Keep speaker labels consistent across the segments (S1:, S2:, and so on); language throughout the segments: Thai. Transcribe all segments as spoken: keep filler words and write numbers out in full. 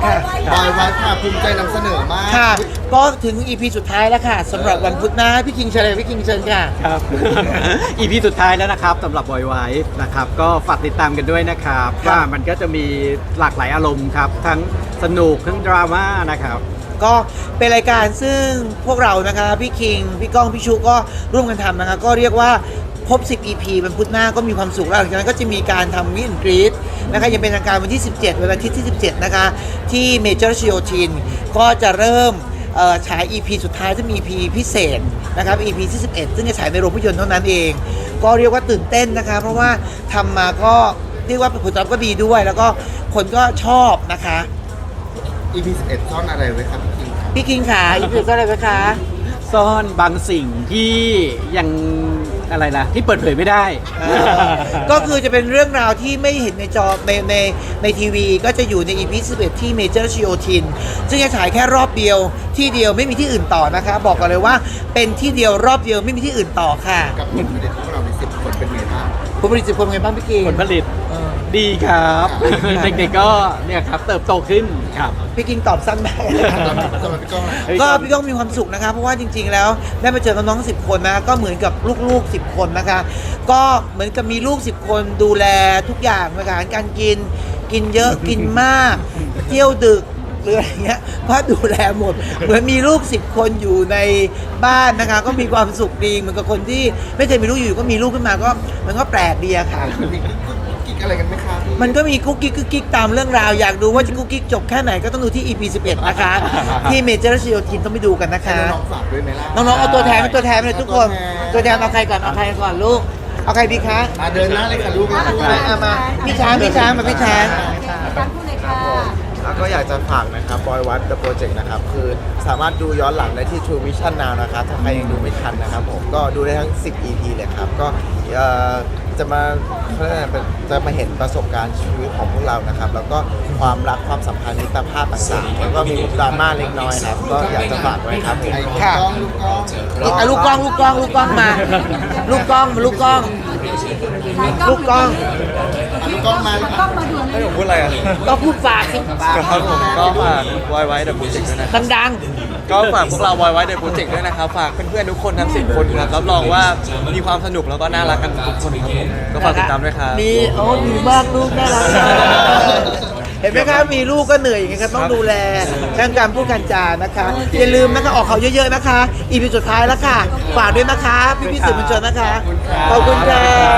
S1: ค่ะ
S2: บอยไว้ค่ะภูมิใจนำเสนอมาก
S1: ค่ะ ก็ถึง อี พี สุดท้ายแล้วค่ะสำหรับวันพุธหน้าพี่คิงเชิญเลยพี่คิงเชิญค่ะ
S3: ครับ อี พี สุดท้ายแล้วนะครับสำหรับบอยไว้นะครับก็ฝากติดตามกันด้วยนะครับ
S1: ครับ
S3: ว่ามันก็จะมีหลากหลายอารมณ์ครับ ทั้งสนุกทั้งดราม่านะครับ
S1: ก็เป็นรายการซึ่งพวกเรานะคะพี่คิงพี่ก้องพี่ชูก็ร่วมกันทำนะคะก็เรียกว่าครบสิบ อี พี วันพุธหน้าก็มีความสุขแล้วหลังจากนั้นก็จะมีการทำมินกรีดนะคะยังเป็นทางการวันที่สิบเจ็ดวันอาทิตย์ที่สิบเจ็ดนะคะที่เมเจอร์ชิโอทินก็จะเริ่มเอ่อฉาย อี พี สุดท้ายซึ่งมี อี พี พิเศษนะครับ อี พี ที่สิบเอ็ดซึ่งจะฉายในโรงภาพยนตร์เท่านั้นเอง ก็เรียกว่าตื่นเต้นนะคะเพราะว่าทำมาก็เรียกว่าผลตอบรับก็ดีด้วย แล้วก็คนก็ชอบนะคะ
S2: อี พี สิบเอ็ดซ่อนอะไรไว้ครับพี่คิงครับ
S1: พี่คิงขาอีพีก็อะไรไหมคะ
S3: ซ่อนบางสิ่งที่ยังอะไรนะที่เปิดเผยไม่ได้
S1: เออก็คือจะเป็นเรื่องราวที่ไม่เห็นในจอในในในทีวีก็จะอยู่ใน อี พี สิบเอ็ดที่เมเจอร์ชิโอทินซึ่งจะฉายแค่รอบเดียวที่เดียวไม่มีที่อื่นต่อนะคะ บอกกันเลยว่าเป็นที่เดียวรอบเดียวไม่มีที่อื่นต่อค่ะ
S2: กับผลผลิตพวกเราในสิบคนเป็นไงบ้าง
S1: ผู้บริจิตคนไงบ้างพี่กิง
S3: ผลผลิต
S1: เออ
S3: ดีครับ
S1: ครับ
S3: เด็กๆก็เนี่ยครับเติบโตขึ้นครับ
S1: พี่กิงตอบสั้นมาก
S2: สำหรับสำหรับพี่ก้องนะ
S1: ก็พี่ก้องมีความสุขนะคะเพราะว่าจริง ๆ แล้วได้มาเจอน้องๆสิบคนนะก็เหมือนกับลูกๆสิบคนนะคะ ก็เหมือนกับมีลูกสิบคนดูแลทุกอย่างนะคะการกินกินเยอะ กินมากเที่ยวดึกหรืออะไรเงี้ยก็ดูแลหมด เหมือนมีลูกสิบคนอยู่ในบ้านนะคะ ก็มีความสุขดีเหมือนกับคนที่ไม่เคยมีลูกอยู่ก็มีลูกขึ้นมาก็มันก็แปลกดีอะค่ะ
S2: มีกิ๊กอะไรกันไหมครับ
S1: มันก็มีกุ๊กกิ๊กกุ๊กกิ๊กตามเรื่องราวอยากดูว่าจะกุ๊กกิ๊กจบแค่ไหนก็ต้องดูที่ อี พี สิบเอ็ดนะคะ ที่เมเจอร์ชิโอทินต้องไปดูกันนะคะ
S2: ให้น้องๆฝากด้วยไหมล่ะ
S1: น้องๆเอาตัวแทนเป็นตัวแทนไปเลยทุกคน
S2: เอาตั
S1: ตัว ว
S2: แท
S1: แท
S2: น
S1: นเอาใครก่อนเอาใครก่อนลูกเอาใครดีคะ
S2: มาเดินหน้าเลยค่ะลูก
S1: มาเอามาพี่ช้างพี่ช้างมาพี่ช้าง
S4: ตั้งพูดเลยค่ะ
S5: แล้วก็อยากจะฝากนะครับบอยวัด The Project นะครับ คือสามารถดูย้อนหลังได้ที่ True Vision Now นะครับ ถ้าใครยังดูไม่ทันนะครับผมก็ดูได้ทั้ง สิบ อี พี เลยครับ ก็เอ่อจะมาเขาเรียกอะไรเป็นจะมาเห็นประสบการณ์ชีวิตของพวกเรานะครับ แล้วก็ความรักความสัมพันธ์มิตรภาพต่างๆ แล้วก็มีดราม่าเล็กน้อยครับ ก็อยากจะฝากไว้ครับผม
S2: ไอ้
S1: ค่ะ
S2: กล้องลูกกล้อง
S1: เอาลูกกล้องลูกกล้องลูกกล้องมา ลูกกล้องมาลูกกล้อง ลูกกล้อง
S2: ลูกกล้องมา
S4: กล้องมาดู
S5: ให้ผมพูดอะไรอ่ะ
S1: ก็พูดฝากสิ
S5: ครับผมก็ฝากบอยไว้ The Project ด้วยนะครับ
S1: ดัง
S5: ก็ฝากพวกเราบอยไว้ The Project ด้วยนะครับ ฝากเพื่อนๆทุกคนทั้งสิบคนครับรับรองว่ามีความสนุกแล้วก็น่ารักกันทุกคนครับผม
S1: ๆ
S5: ก็ฝากติดตามด้วยครับ
S1: มีโอ้ดีมากลูกน่ารักมากเห็นไหมคะมีลูกก็เหนื่อยอย่างเงี้ยครับต้องดูแลเรื่องการพูดการจานะคะ อย่าลืมนะคะออกเขาเยอะๆนะคะ อีพีสุดท้ายแล้วค่ะฝากด้วยนะคะ พี่พี่ๆสื่อมวลชนนะคะขอบคุณค่ะ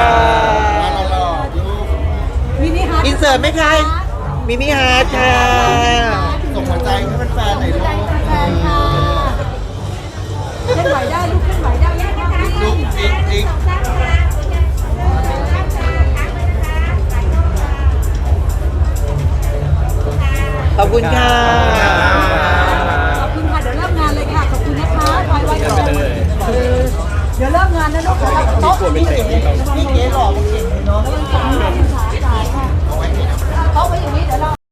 S4: มินิฮาร์ด
S1: อินเสิร์ตไหมคะมินิฮาร์ดค่ะ
S2: ส่งหัวใจให้แฟนๆหน่อยลูก
S4: แฟนค่ะเคลื่อนไหวได้ลูกเคลื่อนไหวได้ยังนะคะ
S2: ลูกจิ๊กจิ๊ก
S1: ขอบคุณค่ะ